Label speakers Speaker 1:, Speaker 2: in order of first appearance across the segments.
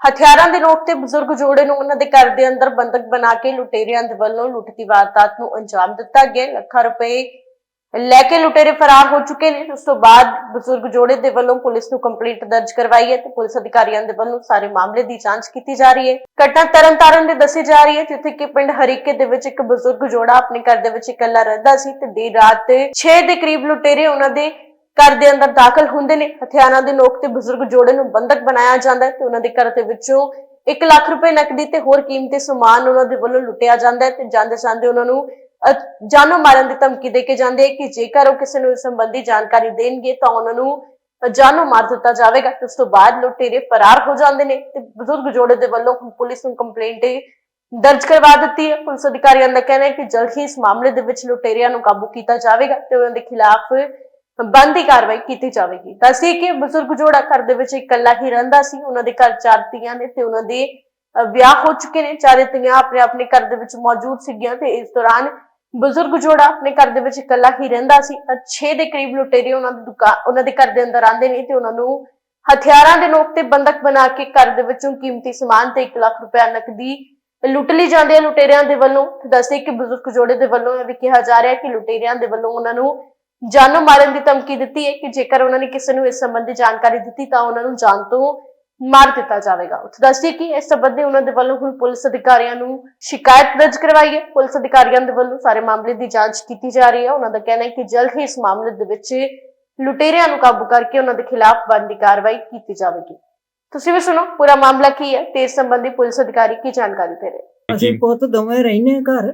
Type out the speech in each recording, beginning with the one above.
Speaker 1: ਹਥਿਆਰਾਂ ਦੇ ਨੋਕ ਤੇ ਬਜ਼ੁਰਗ ਜੋੜੇ ਨੂੰ ਉਹਨਾਂ ਦੇ ਘਰ ਦੇ ਅੰਦਰ ਬੰਦਕ ਬਣਾ ਕੇ ਲੁਟੇਰਿਆਂ ਦੇ ਵੱਲੋਂ ਲੁੱਟ ਦੀ ਵਾਰਦਾਤ ਨੂੰ ਅੰਜਾਮ ਦਿੱਤਾ ਗਿਆ। ਲੱਖਾਂ ਰੁਪਏ ਲੈ ਕੇ ਲੁਟੇਰੇ ਫਰਾਰ ਹੋ ਚੁੱਕੇ ਨੇ। ਉਸ ਤੋਂ ਬਾਅਦ ਬਜ਼ੁਰਗ ਜੋੜੇ ਦੇ ਵੱਲੋਂ ਪੁਲਿਸ ਨੂੰ ਕੰਪਲੇਂਟ ਦਰਜ ਕਰਵਾਈ ਹੈ ਤੇ ਪੁਲਿਸ ਅਧਿਕਾਰੀਆਂ ਦੇ ਵੱਲੋਂ ਸਾਰੇ ਮਾਮਲੇ ਦੀ ਜਾਂਚ ਕੀਤੀ ਜਾ ਰਹੀ ਹੈ। ਘਟਨਾ ਤਰਨਤਾਰਨ ਦੇ ਦੱਸੀ ਜਾ ਰਹੀ ਹੈ, ਜਿੱਥੇ ਕਿ ਪਿੰਡ ਹਰੀਕੇ ਦੇ ਵਿੱਚ ਇੱਕ ਬਜ਼ੁਰਗ ਜੋੜਾ ਆਪਣੇ ਘਰ ਦੇ ਵਿੱਚ ਇਕੱਲਾ ਰਹਿੰਦਾ ਸੀ ਤੇ ਦੇਰ ਰਾਤ 6 ਦੇ ਕਰੀਬ ਲੁਟੇਰੇ ਉਹਨਾਂ ਦੇ ਘਰ ਦੇ ਅੰਦਰ ਦਾਖਲ ਹੁੰਦੇ ਨੇ। ਹਥਿਆਰਾਂ ਦੇ ਨੋਕ ਤੇ ਬਜ਼ੁਰਗ ਜੋੜੇ ਨੂੰ ਬੰਦਕ ਬਣਾਇਆ ਜਾਂਦਾ ਹੈ ਤੇ ਉਹਨਾਂ ਦੇ ਘਰ ਦੇ ਵਿੱਚੋਂ 1 ਲੱਖ ਰੁਪਏ ਨਕਦੀ ਤੇ ਹੋਰ ਕੀਮਤੀ ਸਮਾਨ ਉਹਨਾਂ ਦੇ ਵੱਲੋਂ ਲੁੱਟਿਆ ਜਾਂਦਾ ਹੈ ਤੇ ਜਾਂਦੇ ਜਾਂਦੇ ਉਹਨਾਂ ਨੂੰ ਜਾਨੋਂ ਮਾਰਨ ਦੀ ਧਮਕੀ ਦੇ ਕੇ ਜਾਂਦੇ ਕਿ ਜੇਕਰ ਉਹ ਕਿਸੇ ਨੂੰ ਇਸ ਸੰਬੰਧੀ ਜਾਣਕਾਰੀ ਦੇਣਗੇ ਤਾਂ ਉਹਨਾਂ ਨੂੰ ਜਾਨੋਂ ਮਾਰ ਦਿੱਤਾ ਜਾਵੇਗਾ। ਉਸ ਤੋਂ ਬਾਅਦ ਲੁਟੇਰੇ ਫਰਾਰ ਹੋ ਜਾਂਦੇ ਨੇ ਤੇ ਬਜ਼ੁਰਗ ਜੋੜੇ ਦੇ ਵੱਲੋਂ ਪੁਲਿਸ ਨੂੰ ਕੰਪਲੇਂਟ ਦਰਜ ਕਰਵਾ ਦਿੱਤੀ ਹੈ। ਪੁਲਿਸ ਅਧਿਕਾਰੀਆਂ ਦਾ ਕਹਿਣਾ ਹੈ ਕਿ ਜਲਦ ਹੀ ਇਸ ਮਾਮਲੇ ਦੇ ਵਿੱਚ ਲੁਟੇਰਿਆਂ ਨੂੰ ਕਾਬੂ ਕੀਤਾ ਜਾਵੇਗਾ ਤੇ ਉਹਨਾਂ ਦੇ ਖਿਲਾਫ ਬੰਦੀ ਕਾਰਵਾਈ ਕੀਤੀ ਜਾਵੇਗੀ। ਦੱਸੀ ਕਿ ਬਜ਼ੁਰਗ ਜੋੜਾ ਘਰ ਦੇ ਵਿੱਚ ਇਕੱਲਾ ਹੀ ਰਹਿੰਦਾ ਸੀ। ਉਹਨਾਂ ਦੇ ਘਰ 4 ਧੀਆਂ ਨੇ ਤੇ ਉਹਨਾਂ ਦੇ ਵਿਆਹ ਹੋ ਚੁੱਕੇ ਨੇ। 4 ਧੀਆਂ ਆਪਣੇ ਘਰ ਦੇ ਵਿੱਚ ਮੌਜੂਦ ਸੀਗੀਆਂ ਤੇ ਇਸ ਦੌਰਾਨ ਬਜ਼ੁਰਗ ਜੋੜਾ ਆਪਣੇ ਘਰ ਦੇ ਵਿੱਚ ਇਕੱਲਾ ਹੀ ਰਹਿੰਦਾ ਸੀ। 6 ਦੇ ਕਰੀਬ ਲੁਟੇਰੇ ਉਹਨਾਂ ਦੇ ਘਰ ਦੇ ਅੰਦਰ ਆਉਂਦੇ ਨੇ ਤੇ ਉਹਨਾਂ ਨੂੰ ਹਥਿਆਰਾਂ ਦੇ ਨੋਕ ਤੇ ਬੰਦਕ ਬਣਾ ਕੇ ਘਰ ਦੇ ਵਿੱਚੋਂ ਕੀਮਤੀ ਸਮਾਨ ਤੇ 1 ਲੱਖ ਰੁਪਏ ਨਕਦੀ ਲੁੱਟ ਲਈ ਜਾਂਦੀ ਹੈ ਲੁਟੇਰਿਆਂ ਦੇ ਵੱਲੋਂ। ਦੱਸਦੇ ਕਿ ਬਜ਼ੁਰਗ ਜੋੜੇ ਦੇ ਵੱਲੋਂ ਇਹ ਵੀ ਕਿਹਾ ਜਾ ਰਿਹਾ ਹੈ ਕਿ ਲੁਟੇਰਿਆਂ ਦੇ ਵੱਲੋਂ ਉਹਨਾਂ ਨੂੰ ਜਾਨੋਂ ਮਾਰਨ ਦੀ ਧਮਕੀ ਦਿੱਤੀ ਹੈ ਕਿ ਜੇਕਰ ਉਹਨਾਂ ਨੇ ਕਿਸੇ ਨੂੰ ਇਸ ਸੰਬੰਧੀ ਜਾਣਕਾਰੀ ਦਿੱਤੀ ਤਾਂ ਉਹਨਾਂ ਨੂੰ ਜਾਨ ਤੋਂ ਮਾਰ ਦਿੱਤਾ ਜਾਵੇਗਾ। ਉੱਥੇ ਦੱਸਦੀ ਕਿ ਇਸ ਸੰਬੰਧੀ ਉਹਨਾਂ ਦੇ ਵੱਲੋਂ ਹੁਣ ਪੁਲਿਸ ਅਧਿਕਾਰੀਆਂ ਨੂੰ ਸ਼ਿਕਾਇਤ ਦਰਜ ਕਰਵਾਈ ਹੈ। ਪੁਲਿਸ ਅਧਿਕਾਰੀਆਂ ਦੇ ਵੱਲੋਂ ਸਾਰੇ ਮਾਮਲੇ ਦੀ ਜਾਂਚ ਕੀਤੀ ਜਾ ਰਹੀ ਹੈ। ਉਹਨਾਂ ਦਾ ਕਹਿਣਾ ਹੈ ਕਿ ਜਲਦ ਹੀ ਇਸ ਮਾਮਲੇ ਦੇ ਵਿੱਚ ਲੁਟੇਰਿਆਂ ਨੂੰ ਕਾਬੂ ਕਰਕੇ ਉਹਨਾਂ ਦੇ ਖਿਲਾਫ ਬਣਦੀ ਕਾਰਵਾਈ ਕੀਤੀ ਜਾਵੇਗੀ। ਤੁਸੀਂ ਵੀ ਸੁਣੋ ਪੂਰਾ ਮਾਮਲਾ ਕੀ ਹੈ ਤੇ ਇਸ ਸੰਬੰਧੀ ਪੁਲਿਸ ਅਧਿਕਾਰੀ ਕੀ ਜਾਣਕਾਰੀ ਦੇ ਰਹੇ।
Speaker 2: ਅਸੀਂ ਪੁੱਤ ਦੋਵੇਂ ਰਹਿੰਦੇ ਘਰ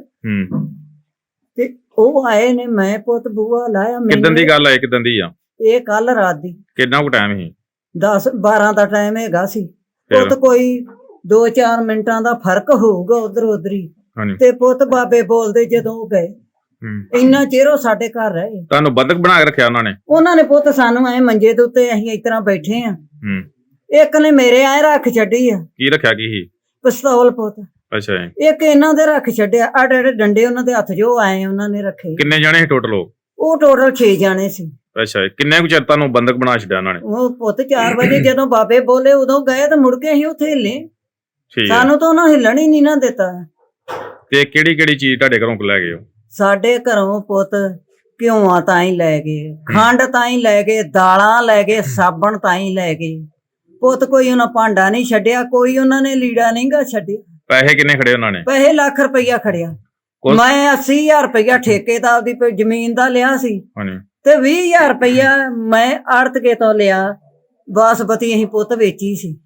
Speaker 2: ਤੇ ਉਹ ਆਏ ਨੇ, ਮੈਂ ਪੁੱਤ ਬੂਆ ਲਾਇਆ।
Speaker 3: ਕਿਦਾਂ ਦੀ ਗੱਲ ਹੈ, ਕਿਦਾਂ ਦੀ ਆ
Speaker 2: ਇਹ ਕੱਲ ਰਾਤ ਦੀ?
Speaker 3: ਕਿੰਨਾ ਕੁ ਟਾਈਮ ਸੀ?
Speaker 2: 10-12 ਦਾ ਟਾਈਮ ਹੈਗਾ ਸੀ। ਪੁੱਤ ਕੋਈ 2-4 ਮਿੰਟਾਂ ਦਾ ਫਰਕ ਹੋਊਗਾ ਉਧਰ ਉਧਰੀ ਤੇ ਪੁੱਤ ਬਾਬੇ ਬੋਲਦੇ ਜਦੋਂ ਗਏ ਇੰਨਾ ਚਿਰ ਉਹ ਸਾਡੇ ਘਰ ਰਹੇ।
Speaker 3: ਤੁਹਾਨੂੰ ਬੰਦਕ ਬਣਾ ਕੇ ਰੱਖਿਆ
Speaker 2: ਉਹਨਾਂ ਨੇ ਪੁੱਤ ਸਾਨੂੰ ਐ ਮੰਜੇ ਦੇ ਉੱਤੇ ਅਸੀਂ ਇਸ ਤਰ੍ਹਾਂ ਬੈਠੇ ਆ। ਇੱਕ ਨੇ ਮੇਰੇ ਐ ਰੱਖ ਛੱਡੀ ਆ।
Speaker 3: ਕੀ ਰੱਖਿਆ? ਕੀ ਸੀ?
Speaker 2: ਪਿਸਤੌਲ ਪੁੱਤ।
Speaker 3: ਅੱਛਾ। ਇੱਕ
Speaker 2: ਇਹਨਾਂ ਦੇ ਰੱਖ ਛੱਡਿਆ। ਆੜੇ ਡੰਡੇ ਉਹਨਾਂ ਦੇ ਹੱਥ ਜੋ ਆਏ ਉਹਨਾਂ ਨੇ ਰੱਖੇ।
Speaker 3: ਕਿੰਨੇ ਜਾਣੇ ਸੀ ਟੋਟਲ?
Speaker 2: ਉਹ ਟੋਟਲ 6 ਜਾਣੇ ਸੀ।
Speaker 3: ਅੱਛਾ। ਕਿੰਨੇ ਕੁ ਚਿਰ ਤੁਹਾਨੂੰ ਬੰਦਕ ਬਣਾ ਛੱਡਿਆ ਉਹਨਾਂ ਨੇ?
Speaker 2: ਉਹ ਪੁੱਤ 4 ਵਜੇ ਜਦੋਂ ਬਾਬੇ ਬੋਲੇ ਉਦੋਂ ਗਏ ਤੇ ਮੁੜ ਕੇ ਅਸੀਂ ਉੱਥੇ ਹਿੱਲੇ। ਸਾਨੂੰ ਤਾਂ ਉਹਨਾਂ ਹਿੱਲਣ ਹੀ ਨਹੀਂ ਨਾ ਦਿੱਤਾ।
Speaker 3: ਤੇ ਕਿਹੜੀ ਕਿਹੜੀ ਚੀਜ਼ ਤੁਹਾਡੇ ਘਰੋਂ ਲੈ ਗਏ?
Speaker 2: ਸਾਡੇ ਘਰੋਂ ਪੁੱਤ ਘਿਓਆਂ ਤਾਂ ਹੀ ਲੈ ਗਏ, ਖੰਡ ਤਾਂ ਹੀ ਲੈ ਗਏ, ਦਾਲਾਂ ਲੈ ਗਏ, ਸਾਬਣ ਤਾਂ ਹੀ ਲੈ ਗਏ। ਪੁੱਤ ਕੋਈ ਉਹਨਾਂ ਭਾਂਡਾ ਨਹੀਂ ਛੱਡਿਆ, ਕੋਈ ਉਹਨਾਂ ਨੇ ਲੀੜਾ ਨਹੀਂ ਗਾ ਛੱਡਿਆ।
Speaker 3: ਪੈਸੇ ਕਿੰਨੇ ਖੜੇ ਉਹਨਾਂ ਨੇ?
Speaker 2: ਪੈਸੇ 1 ਲੱਖ ਰੁਪਇਆ ਖੜਿਆ। ਮੈਂ 80,000 ਰੁਪਇਆ ਠੇਕੇ ਦਾ ਉਹਦੀ ਜ਼ਮੀਨ ਦਾ ਲਿਆ ਸੀ ਤੇ 20,000 ਰੁਪਇਆ ਮੈਂ ਆੜਤਕੇ ਤੋਂ ਲਿਆ। ਬਾਸਪਤੀ ਅਸੀਂ ਪੁੱਤ ਵੇਚੀ ਸੀ।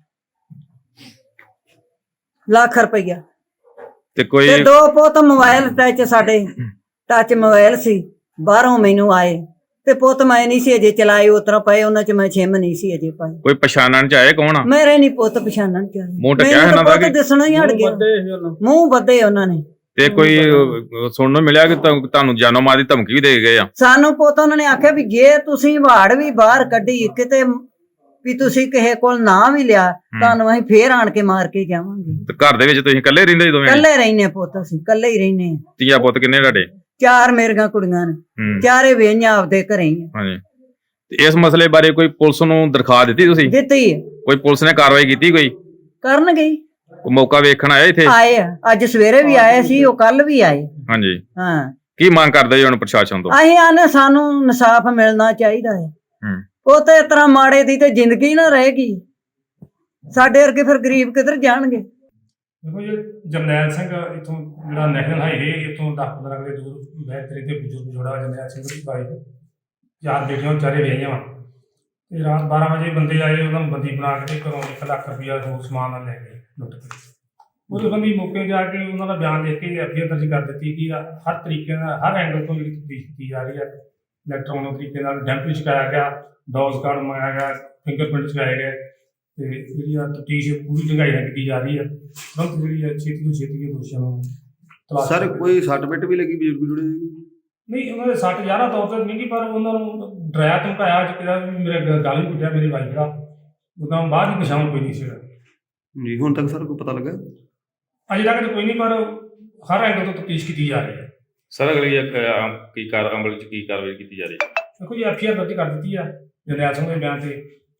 Speaker 2: 1 ਲੱਖ ਰੁਪਇਆ
Speaker 3: ਤੇ ਕੋਈ
Speaker 2: 2 ਪੁੱਤ ਮੋਬਾਈਲ ਸਾਡੇ ਟੱਚ ਮੋਬਾਈਲ ਸੀ। ਬਾਹਰੋਂ ਮੈਨੂੰ ਆਏ ਤੇ ਪੁੱਤ ਮੈਂ ਨਹੀਂ ਸੀ ਅਜੇ ਚਲਾਏ। ਉਤਰਾ ਪਏ ਉਹਨਾਂ ਚ ਮੈਂ ਛਿਮ ਨਹੀਂ ਸੀ ਅਜੇ ਪਾਏ।
Speaker 3: ਕੋਈ ਪਛਾਣਨ ਚ ਆਏ ਕੌਣ ਆ?
Speaker 2: ਮੇਰੇ ਨਹੀਂ ਪੁੱਤ ਪਛਾਣਨ ਚ ਆਏ।
Speaker 3: ਮੂੰਹ ਟਕਿਆ ਇਹਨਾਂ ਦਾ ਕਿ
Speaker 2: ਦਿਸਣਾ ਹੀ ਹਟ ਗਿਆ। ਮੂੰਹ ਬੱਧੇ ਉਹਨਾਂ ਨੇ।
Speaker 3: ਤੇ ਕੋਈ ਸੁਣਨ ਨੂੰ ਮਿਲਿਆ ਕਿ ਤੁਹਾਨੂੰ ਜਾਨੋਂ ਮਾਰ ਦੀ ਧਮਕੀ ਵੀ ਦੇ ਗਏ ਆ?
Speaker 2: ਸਾਨੂੰ ਪੁੱਤ ਉਹਨਾਂ ਨੇ ਆਖਿਆ ਵੀ ਜੇ ਤੁਸੀਂ ਵਾੜ ਵੀ ਬਾਹਰ ਕੱਢੀ ਕਿਤੇ ਵੀ ਤੁਸੀਂ ਕਿਸੇ ਕੋਲ ਨਾ ਵੀ ਲਿਆ ਤੁਹਾਨੂੰ ਅਸੀਂ ਫੇਰ ਆਣ ਕੇ ਮਾਰ ਕੇ ਜਾਵਾਂਗੇ।
Speaker 3: ਤੇ ਘਰ ਦੇ ਵਿੱਚ ਤੁਸੀਂ ਇਕੱਲੇ ਰਹਿੰਦੇ? ਦੋਵੇਂ
Speaker 2: ਇਕੱਲੇ ਰਹਿੰਦੇ ਪੁੱਤ। ਅਸੀਂ ਇਕੱਲੇ ਹੀ ਰਹਿੰਦੇ।
Speaker 3: ਧੀਆ ਪੁੱਤ ਕਿੰਨੇ ਤੁਹਾਡੇ?
Speaker 2: 4 ਮੇਰੀਆਂ ਕੁੜੀਆਂ ਨੇ। 4 ਵੇਈਆਂ ਆਪਦੇ ਘਰੇ ਹੀ।
Speaker 3: ਹਾਂਜੀ। ਤੇ ਇਸ ਮਸਲੇ ਬਾਰੇ ਕੋਈ ਪੁਲਿਸ ਨੂੰ ਦਰਖਾਸਤ ਦਿੱਤੀ ਤੁਸੀਂ?
Speaker 2: ਦਿੱਤੀ।
Speaker 3: ਕੋਈ ਪੁਲਿਸ ਨੇ ਕਾਰਵਾਈ ਕੀਤੀ? ਕੋਈ
Speaker 2: ਕਰਨ ਗਈ।
Speaker 3: ਕੋਈ ਮੌਕਾ ਵੇਖਣ ਆਇਆ ਇੱਥੇ?
Speaker 2: ਆਏ ਆ, ਅੱਜ ਸਵੇਰੇ ਵੀ ਆਏ ਸੀ, ਉਹ ਕੱਲ ਵੀ ਆਏ।
Speaker 3: ਹਾਂਜੀ।
Speaker 2: ਹਾਂ।
Speaker 3: ਕੀ ਮੰਗ ਕਰਦੇ ਜੀ ਹੁਣ ਪ੍ਰਸ਼ਾਸਨ ਤੋਂ?
Speaker 2: ਅਸੀਂ ਆਨੇ ਸਾਨੂੰ ਇਨਸਾਫ ਮਿਲਣਾ ਚਾਹੀਦਾ ਹੈ। ਉਹ ਤੇ ਇਸ ਤਰ੍ਹਾਂ ਮਾੜੇ ਦੀ ਤੇ ਜ਼ਿੰਦਗੀ ਨਾ ਰਹੇਗੀ। ਸਾਡੇ ਵਰਗੇ ਫਿਰ ਗਰੀਬ ਕਿੱਧਰ ਜਾਣਗੇ?
Speaker 4: ਦੇਖੋ ਜੀ, ਜਰਨੈਲ ਸਿੰਘ ਇੱਥੋਂ ਜਿਹੜਾ ਨੈਸ਼ਨਲ ਹਾਈਵੇ ਇੱਥੋਂ 10-15 ਕਿਲੇ ਦੂਰ ਬਹਿਤਰੀ ਤੇ ਬਜ਼ੁਰਗ ਜੋੜਾ ਜਰਨੈਲ ਸਿੰਘ ਦੀ ਬਾਈ 4 ਬੇਟੀਆਂ 4 ਵਿਆਹੀਆਂ ਵਾ ਤੇ ਰਾਤ 12 ਵਜੇ ਬੰਦੇ ਆਏ। ਉਹਨਾਂ ਨੂੰ ਬੰਦੀ ਬਣਾ ਕੇ ਘਰੋਂ 1 ਲੱਖ ਰੁਪਇਆ ਹੋਰ ਸਮਾਨ ਨਾਲ ਲੈ ਗਏ ਲੁੱਟ ਕੇ। ਉਹਦੇ ਬੰਦੀ ਮੌਕੇ ਜਾ ਕੇ ਉਹਨਾਂ ਦਾ ਬਿਆਨ ਦੇ ਕੇ ਐਫਆਈਆਰ ਦਰਜ ਕਰ ਦਿੱਤੀ ਕਿ ਹਰ ਤਰੀਕੇ ਨਾਲ ਹਰ ਐਂਗਲ ਤੋਂ ਜਿਹੜੀ ਤਫਤੀਸ਼ ਕੀਤੀ ਜਾ ਰਹੀ ਹੈ। ਇਲੈਕਟ੍ਰੋਨਿਕ ਤਰੀਕੇ ਨਾਲ ਡੈਂਪ ਚੁਕਾਇਆ ਗਿਆ, ਡੋਜ਼ ਕਾਰਡ ਮੰਗਾਇਆ ਗਿਆ, ਫਿੰਗਰਪ੍ਰਿੰਟ ਚੁਕਾਏ ਗਏ ਤੇ ਜਿਹੜੀ ਆ ਤਫਤੀਸ਼ ਪੂਰੀ ਢੰਗਾਈ ਨਾਲ ਕੀਤੀ ਜਾ ਰਹੀ ਹੈ। ਤੁਰੰਤ ਜਿਹੜੀ ਹੈ ਛੇਤੀ ਤੋਂ ਛੇਤੀ ਦੋਸ਼ੀਆਂ ਨੂੰ ਤਲਾਸ਼।
Speaker 5: ਸਰ ਕੋਈ ਸੱਟ ਪਿੱਟ ਵੀ ਲੱਗੀ ਬਜ਼ੁਰਗ ਜੁੜੇ ਦੀ?
Speaker 4: ਨਹੀਂ, ਉਹਨਾਂ ਦੇ 60 11 ਤੌਰ ਤੇ ਨਹੀਂ ਪਰ ਉਹਨਾਂ ਨੂੰ ਡਰਾਇਆ ਧਮਕਾਇਆ ਜਿਹੜਾ ਵੀ ਮੇਰੇ ਗਲ ਵੀ ਕੁੱਟਿਆ ਮੇਰੀ ਵਾਈਫ ਦਾ। ਉਹਦਾ ਬਾਅਦ ਹੀ ਨਿਸ਼ਾਨ ਕੋਈ ਨਹੀਂ ਸੀਗਾ
Speaker 5: ਜੀ। ਹੁਣ ਤੱਕ ਸਰ ਕੋਈ ਪਤਾ ਲੱਗਾ?
Speaker 4: ਅਜੇ ਤੱਕ ਤਾਂ ਕੋਈ ਨਹੀਂ ਪਰ ਹਰ ਐਂਗਲ ਤੋਂ ਤਫਤੀਸ਼ ਕੀਤੀ ਜਾ ਰਹੀ ਹੈ।
Speaker 3: ਸਰ ਅਗਲੀ ਅਮਲ ਚ ਕੀ ਕਾਰਵਾਈ ਕੀਤੀ ਜਾ ਰਹੀ ਹੈ?
Speaker 4: ਦੇਖੋ ਜੀ, ਐਫਆਈਆਰ ਦਰਜ ਕਰ ਦਿੱਤੀ ਆ ਜਰਨੈਲ ਸਿੰਘ ਦੇ ਬਿਆਨ ਤੇ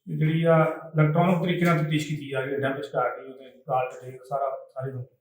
Speaker 4: ਜਿਹੜੀ ਆ ਇਲੈਕਟ੍ਰੋਨਿਕ ਤਰੀਕੇ ਨਾਲ ਤਫਤੀਸ਼ ਕੀਤੀ ਜਾ ਰਹੀ ਹੈ, ਡੈਂਪ ਚਕਾ ਕੇ ਉਹਦੇ ਕਾਲ ਤੇ ਸਾਰਾ ਸਾਰੇ ਨੂੰ